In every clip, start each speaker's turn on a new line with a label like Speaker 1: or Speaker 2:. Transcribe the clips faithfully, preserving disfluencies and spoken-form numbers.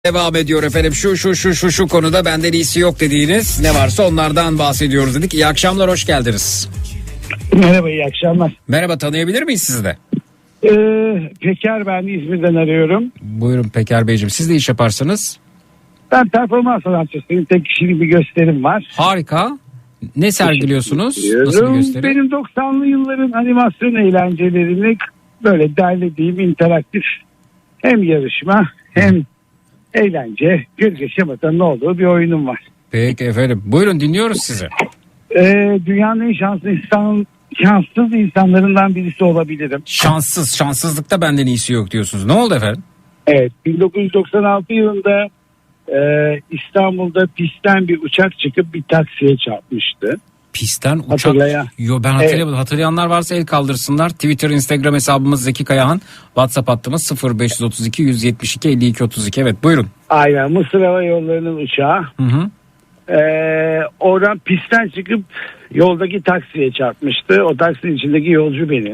Speaker 1: Devam ediyor efendim. Şu şu şu şu şu konuda benden iyisi yok dediğiniz ne varsa onlardan bahsediyoruz dedik. İyi akşamlar, hoş geldiniz.
Speaker 2: Merhaba, iyi akşamlar.
Speaker 1: Merhaba, tanıyabilir miyiz sizi de?
Speaker 2: Ee, Peker, ben İzmir'den arıyorum.
Speaker 1: Buyurun Peker Beyciğim, siz de iş yaparsınız.
Speaker 2: Ben performans sanatçısıyım. Tek kişilik bir gösterim var.
Speaker 1: Harika. Ne sergiliyorsunuz? Nasıl bir gösteri?
Speaker 2: Benim doksanlı yılların animasyon eğlencelerini böyle derlediğim interaktif hem yarışma hem eğlence, gölge şematanın olduğu bir oyunum var.
Speaker 1: Peki efendim. Buyurun, dinliyoruz sizi.
Speaker 2: Ee, dünyanın en şanslı insan, şanssız insanlarından birisi olabilirim.
Speaker 1: Şanssız, şanssızlıkta benden iyisi yok diyorsunuz. Ne oldu efendim?
Speaker 2: Evet, bin dokuz yüz doksan altı yılında e, İstanbul'da pistten bir uçak çıkıp bir taksiye çarpmıştı.
Speaker 1: Pistten uçak.
Speaker 2: Hatırlayan.
Speaker 1: Yo, ben hatırlayamadım.
Speaker 2: Evet.
Speaker 1: Hatırlayanlar varsa el kaldırsınlar. Twitter, Instagram hesabımız Zeki Kayahan. WhatsApp hattımız sıfır beş otuz iki yüz yetmiş iki elli iki otuz iki. Evet, buyurun.
Speaker 2: Aynen, Mısır Hava Yolları'nın uçağı.
Speaker 1: Hı hı.
Speaker 2: Ee, oradan pistten çıkıp yoldaki taksiye çarpmıştı. O taksinin içindeki yolcu benim.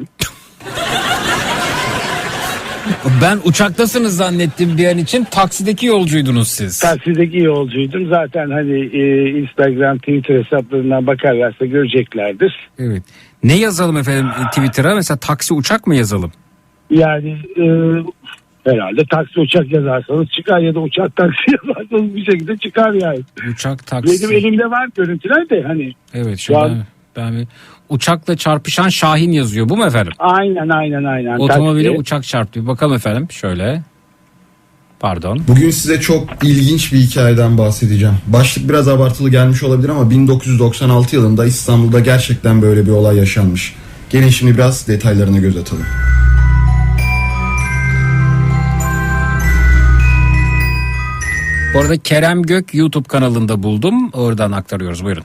Speaker 1: Ben uçaktasınız zannettim bir an için. Taksideki yolcuydunuz siz.
Speaker 2: Taksideki yolcuydum. Zaten hani e, Instagram, Twitter hesaplarından bakarlarsa göreceklerdir.
Speaker 1: Evet. Ne yazalım efendim Twitter'a? Mesela taksi uçak mı yazalım?
Speaker 2: Yani e, herhalde taksi uçak yazarsanız çıkar ya da uçak taksi yazarsanız bir şekilde çıkar yani.
Speaker 1: Uçak taksi.
Speaker 2: Benim elimde var görüntüler de hani.
Speaker 1: Evet,
Speaker 2: şu an...
Speaker 1: ben, ben bir uçakla çarpışan Şahin yazıyor. Bu mu efendim?
Speaker 2: Aynen aynen aynen.
Speaker 1: Otomobile
Speaker 2: taksi.
Speaker 1: uçak çarptı. Bir bakalım efendim şöyle. Pardon.
Speaker 3: Bugün size çok ilginç bir hikayeden bahsedeceğim. Başlık biraz abartılı gelmiş olabilir ama bin dokuz yüz doksan altı yılında İstanbul'da gerçekten böyle bir olay yaşanmış. Gelin şimdi biraz detaylarına göz atalım.
Speaker 1: Bu arada Kerem Gök YouTube kanalında buldum. Oradan aktarıyoruz. Buyurun.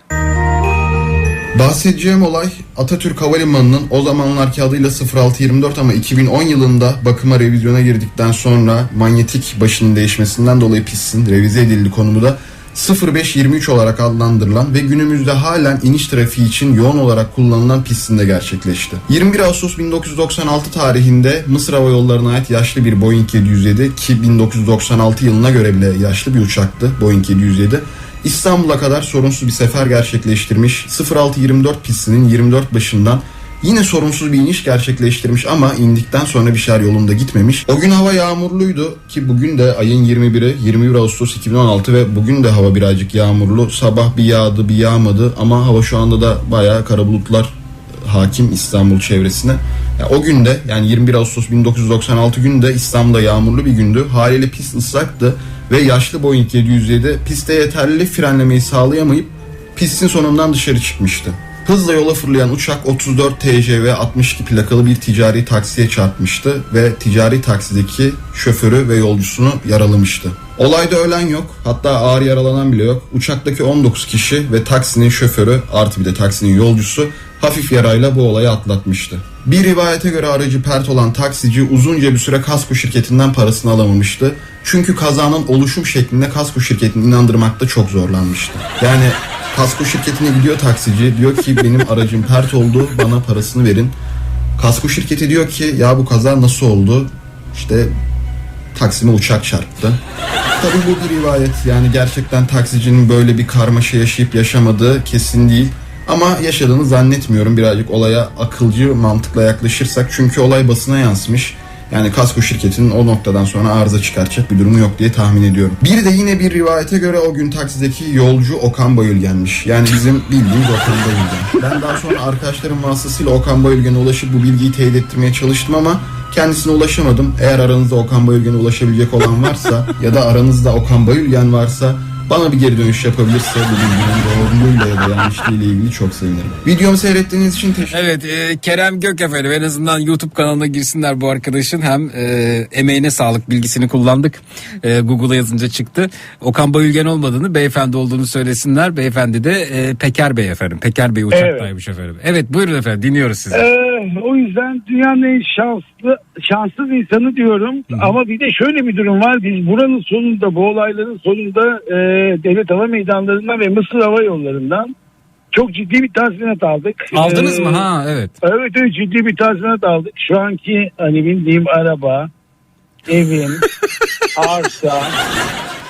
Speaker 3: Bahsedeceğim olay Atatürk Havalimanı'nın o zamanlarki adıyla sıfır altı yirmi dört ama iki bin on yılında bakıma revizyona girdikten sonra manyetik başının değişmesinden dolayı pistin revize edildiği konumu da sıfır beş yirmi üç olarak adlandırılan ve günümüzde halen iniş trafiği için yoğun olarak kullanılan pistinde gerçekleşti. yirmi bir Ağustos bin dokuz yüz doksan altı tarihinde Mısır Hava Yolları'na ait yaşlı bir Boeing yedi yüz yedi ki bin dokuz yüz doksan altı yılına göre bile yaşlı bir uçaktı Boeing yedi yüz yedi. İstanbul'a kadar sorunsuz bir sefer gerçekleştirmiş. sıfır altı yirmi dört pistinin yirmi dört başından yine sorunsuz bir iniş gerçekleştirmiş ama indikten sonra bir şeyler yolunda gitmemiş. O gün hava yağmurluydu ki bugün de ayın yirmi biri yirmi bir Ağustos iki bin on altı ve bugün de hava birazcık yağmurlu. Sabah bir yağdı bir yağmadı ama hava şu anda da bayağı kara bulutlar hakim İstanbul çevresine. Yani o günde yani yirmi bir Ağustos bin dokuz yüz doksan altı günde İstanbul'da yağmurlu bir gündü. Haliyle pist ıslaktı ve yaşlı Boeing yedi yüz yedi piste yeterli frenlemeyi sağlayamayıp pistin sonundan dışarı çıkmıştı. Hızla yola fırlayan uçak otuz dört T J V altmış iki plakalı bir ticari taksiye çarpmıştı ve ticari taksideki şoförü ve yolcusunu yaralamıştı. Olayda ölen yok, hatta ağır yaralanan bile yok. Uçaktaki on dokuz kişi ve taksinin şoförü artı bir de taksinin yolcusu hafif yarayla bu olayı atlatmıştı. Bir rivayete göre aracı pert olan taksici uzunca bir süre kasko şirketinden parasını alamamıştı. Çünkü kazanın oluşum şeklinde kasko şirketini inandırmakta çok zorlanmıştı. Yani kasko şirketine gidiyor taksici, diyor ki benim aracım pert oldu, bana parasını verin. Kasko şirketi diyor ki ya bu kaza nasıl oldu? İşte Taksim'e uçak çarptı. Tabii bu bir rivayet, yani gerçekten taksicinin böyle bir karmaşa yaşayıp yaşamadığı kesin değil. Ama yaşadığını zannetmiyorum, birazcık olaya akılcı mantıkla yaklaşırsak. Çünkü olay basına yansımış. Yani kasko şirketinin o noktadan sonra arıza çıkartacak bir durumu yok diye tahmin ediyorum. Bir de yine bir rivayete göre o gün taksideki yolcu Okan Bayülgen'miş. Yani bizim bildiğimiz Okan Bayülgen. Ben daha sonra arkadaşlarım vasıtasıyla Okan Bayülgen'e ulaşıp bu bilgiyi teyit ettirmeye çalıştım ama kendisine ulaşamadım. Eğer aranızda Okan Bayülgen'e ulaşabilecek olan varsa ya da aranızda Okan Bayülgen varsa bana bir geri dönüş yapabilirse bu bilginin doğruluğuyla ya da yanlışlığıyla ilgili çok sevinirim. Videomu seyrettiğiniz için teşekkür ederim.
Speaker 1: Evet, e, Kerem Gök efendim, en azından YouTube kanalına girsinler bu arkadaşın. Hem e, emeğine sağlık bilgisini kullandık. E, Google'a yazınca çıktı. Okan Bayülgen olmadığını, beyefendi olduğunu söylesinler. Beyefendi de e, Peker Bey efendim. Peker Bey uçaktaymış evet. efendim. Evet, buyurun efendim, dinliyoruz sizi.
Speaker 2: Ee, o yüzden dünyanın en şanslı, şanssız insanı diyorum. Hı. Ama bir de şöyle bir durum var. Biz buranın sonunda, bu olayların sonunda e, Devlet Hava Meydanlarından ve Mısır Hava Yolları'ndan çok ciddi bir tazminat aldık.
Speaker 1: Aldınız
Speaker 2: ee,
Speaker 1: mı? Ha evet.
Speaker 2: Evet evet, ciddi bir tazminat aldık. Şu anki hani bindiğim araba, evim, arsa,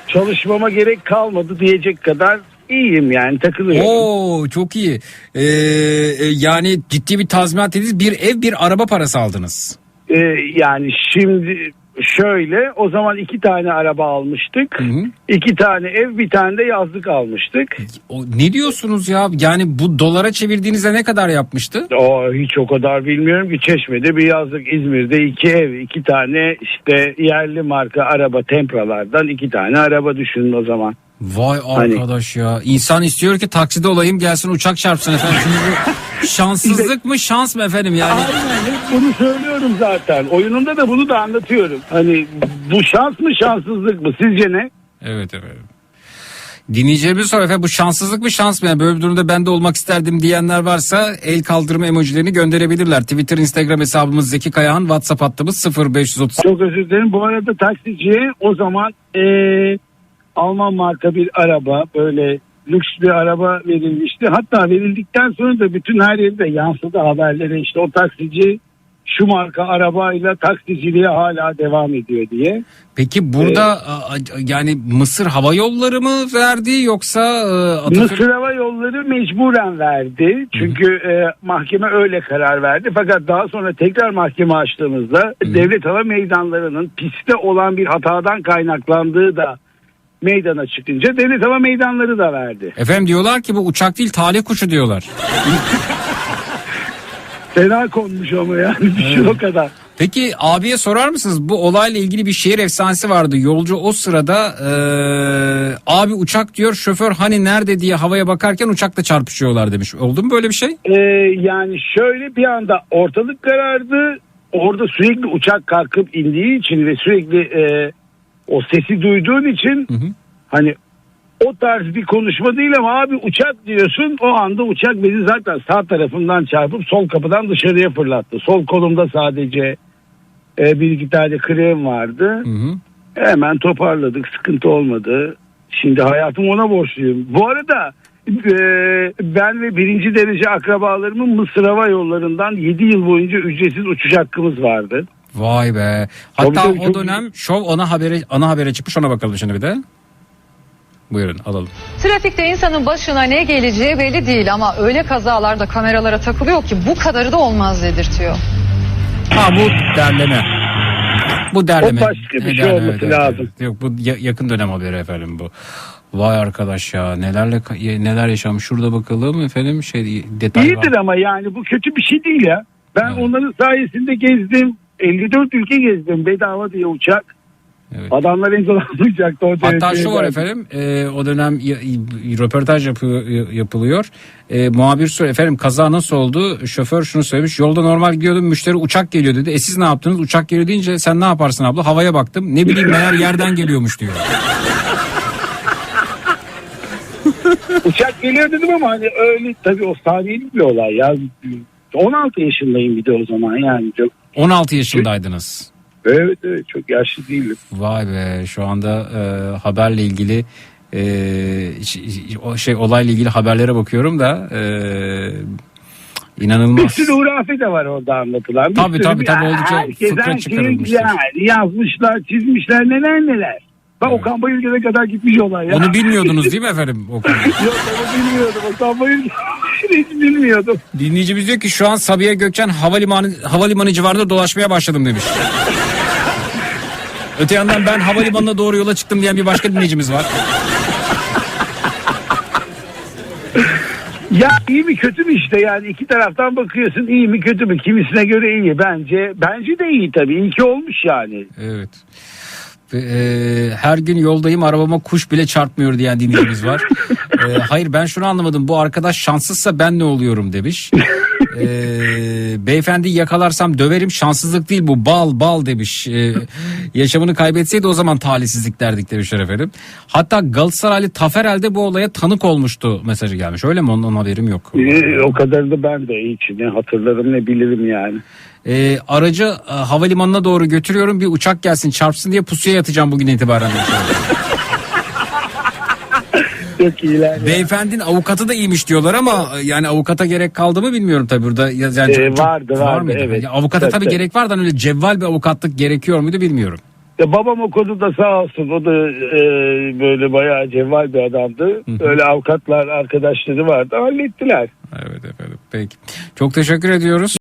Speaker 2: çalışmama gerek kalmadı diyecek kadar iyiyim yani, takılıyorum.
Speaker 1: Oo çok iyi. Ee, e, yani ciddi bir tazminat dediniz, bir ev bir araba parası aldınız.
Speaker 2: Ee, yani şimdi şöyle, o zaman iki tane araba almıştık.
Speaker 1: Hı hı.
Speaker 2: İki tane ev, bir tane de yazlık almıştık.
Speaker 1: O, ne diyorsunuz ya? Yani bu dolara çevirdiğinizde ne kadar yapmıştı?
Speaker 2: O hiç o kadar bilmiyorum ki. Çeşme'de bir yazlık, İzmir'de iki ev, iki tane işte yerli marka araba, Tempra'lardan iki tane araba düşünün o zaman.
Speaker 1: Vay
Speaker 2: Hani-
Speaker 1: arkadaş ya. İnsan istiyor ki takside olayım gelsin uçak çarpsın efendim. Şimdi bu şanssızlık mı şans mı efendim yani?
Speaker 2: Aynen, hep bunu söylüyorum zaten. Oyunumda da bunu da anlatıyorum. Hani bu şans mı şanssızlık mı, sizce ne?
Speaker 1: Evet efendim. Dinleyicilerimiz sor efendim, bu şanssızlık mı şans mı? Yani böyle bir durumda ben de olmak isterdim diyenler varsa el kaldırma emojilerini gönderebilirler. Twitter, Instagram hesabımız Zeki Kayağan, WhatsApp hattımız sıfır beş otuz.
Speaker 2: Çok özür dilerim. Bu arada taksiciye o zaman eee, Alman marka bir araba, böyle lüks bir araba verilmişti. Hatta verildikten sonra da bütün her yerde yansıdı haberlere, işte o taksici şu marka arabayla taksiciliğe hala devam ediyor diye.
Speaker 1: Peki burada a- yani Mısır Hava Yolları mı verdi yoksa e, Atatürk...
Speaker 2: Mısır Hava Yolları mecburen verdi. Çünkü e, mahkeme öyle karar verdi. Fakat daha sonra tekrar mahkeme açtığımızda devlet hava meydanlarının pistte olan bir hatadan kaynaklandığı da meydana çıkınca devlet hava meydanları da verdi.
Speaker 1: Efendim diyorlar ki bu uçak değil talih kuşu diyorlar.
Speaker 2: Fena konmuş ama yani, düşün o kadar.
Speaker 1: Peki abiye sorar mısınız? Bu olayla ilgili bir şehir efsanesi vardı. Yolcu o sırada e, abi uçak diyor, şoför hani nerede diye havaya bakarken uçakla çarpışıyorlar demiş. Oldu mu böyle bir şey?
Speaker 2: Ee, yani şöyle, bir anda ortalık karardı. Orada sürekli uçak kalkıp indiği için ve sürekli e, o sesi duyduğun için,
Speaker 1: Hı hı.
Speaker 2: hani o tarz bir konuşma değil ama abi uçak diyorsun, o anda uçak beni zaten sağ tarafından çarpıp sol kapıdan dışarıya fırlattı. Sol kolumda sadece e, bir iki tane krem vardı.
Speaker 1: Hı hı.
Speaker 2: Hemen toparladık, sıkıntı olmadı. Şimdi hayatım ona borçluyum. Bu arada e, ben ve birinci derece akrabalarımın Mısır Hava Yolları'ndan yedi yıl boyunca ücretsiz uçuş hakkımız vardı.
Speaker 1: Vay be. Hatta
Speaker 2: Tabii, tabii,
Speaker 1: o
Speaker 2: çok
Speaker 1: dönem şov ana habere ana habere çıkmış, ona bakalım şimdi bir de. Buyurun alalım.
Speaker 4: Trafikte insanın başına ne geleceği belli değil ama öyle kazalarda kameralara takılıyor ki bu kadarı da olmaz dedirtiyor.
Speaker 1: Ha bu derleme. Bu derleme.
Speaker 2: O başka bir
Speaker 1: Ne
Speaker 2: şey
Speaker 1: derleme,
Speaker 2: olması
Speaker 1: evet,
Speaker 2: lazım.
Speaker 1: evet. Yok bu ya- yakın dönem haberi efendim bu. Vay arkadaş ya, nelerle neler yaşamış. Şurada bakalım efendim, şey detay var.
Speaker 2: İyidir ama yani bu kötü bir şey değil ya. Ben
Speaker 1: Evet.
Speaker 2: onların sayesinde gezdim. elli dört ülke gezdim bedava diye uçak.
Speaker 1: Evet.
Speaker 2: Adamlar engellanmayacaktı o
Speaker 1: Hatta
Speaker 2: dereceye
Speaker 1: şu var
Speaker 2: geldi.
Speaker 1: efendim, e, o dönem y- y- röportaj yapı- yapılıyor. E, muhabir soruyor, efendim kaza nasıl oldu? Şoför şunu söylemiş, yolda normal gidiyordum, müşteri uçak geliyor dedi. E siz ne yaptınız? Uçak geliyor deyince sen ne yaparsın abla? Havaya baktım, ne bileyim meğer yerden geliyormuş diyor.
Speaker 2: Uçak geliyor dedim ama hani öyle, tabii o saniyelik bir olay ya. on altı yaşındayım bir de o zaman yani. Çok,
Speaker 1: on altı yaşındaydınız.
Speaker 2: evet evet, çok yaşlı değilim.
Speaker 1: Vay be, şu anda e, haberle ilgili e, ş- o şey olayla ilgili haberlere bakıyorum da e,
Speaker 2: Bir
Speaker 1: inanılmaz.
Speaker 2: sürü hurafe de var orada anlatılan. Bir
Speaker 1: Tabii,
Speaker 2: sürü
Speaker 1: tabii,
Speaker 2: bir-
Speaker 1: tabii, oldukça
Speaker 2: herkes
Speaker 1: fıkra
Speaker 2: her şeyi
Speaker 1: çıkarılmıştır.
Speaker 2: yani yazmışlar, çizmişler, neler neler. Bak
Speaker 1: Evet.
Speaker 2: Okan Bayülgen'e kadar gitmiş olay ya.
Speaker 1: Onu bilmiyordunuz değil mi efendim? O konuyu?
Speaker 2: Yok, onu bilmiyordum. Okan Bayülgen hiç bilmiyordum.
Speaker 1: Dinleyicimiz diyor ki şu an Sabiha Gökçen havalimanı havalimanı civarında dolaşmaya başladım demiş. Öte yandan ben havalimanına doğru yola çıktım diyen bir başka dinleyicimiz var.
Speaker 2: Ya iyi mi kötü mü işte, yani iki taraftan bakıyorsun, iyi mi kötü mü, kimisine göre iyi, bence bence de iyi tabii, iyi ki olmuş yani.
Speaker 1: Evet. Ve, e, her gün yoldayım, arabama kuş bile çarpmıyor diyen dinleyicimiz var. E, hayır, ben şunu anlamadım, bu arkadaş şanssızsa ben ne oluyorum demiş. E, beyefendi yakalarsam döverim, şanssızlık değil bu, bal bal demiş. E, yaşamını kaybetseydi o zaman talihsizlik derdik demişler efendim. Hatta Galatasaraylı Taferel de bu olaya tanık olmuştu mesajı gelmiş, öyle mi? Ondan haberim yok.
Speaker 2: Ee, o kadar da ben de hiç ne hatırlarım ne bilirim yani.
Speaker 1: E, aracı e, havalimanına doğru götürüyorum, bir uçak gelsin çarpsın diye pusuya yatacağım bugün itibaren.
Speaker 2: Çok iyiler ya.
Speaker 1: Beyefendinin avukatı da iyiymiş diyorlar ama e, yani avukata gerek kaldı mı bilmiyorum tabii burada. Ya- Yani
Speaker 2: Ee,
Speaker 1: çok- çok-
Speaker 2: vardı,
Speaker 1: var
Speaker 2: vardı,
Speaker 1: mıydı?
Speaker 2: evet.
Speaker 1: Ya avukata
Speaker 2: Tabii,
Speaker 1: tabii
Speaker 2: tabii.
Speaker 1: gerek var da öyle cevval bir avukatlık gerekiyor muydu bilmiyorum.
Speaker 2: Ya babam o konuda sağ olsun, o da e, böyle bayağı cevval bir adamdı.
Speaker 1: Hı hı.
Speaker 2: Öyle avukatlar arkadaşları vardı, hallettiler.
Speaker 1: Evet efendim. Peki. Çok teşekkür ediyoruz.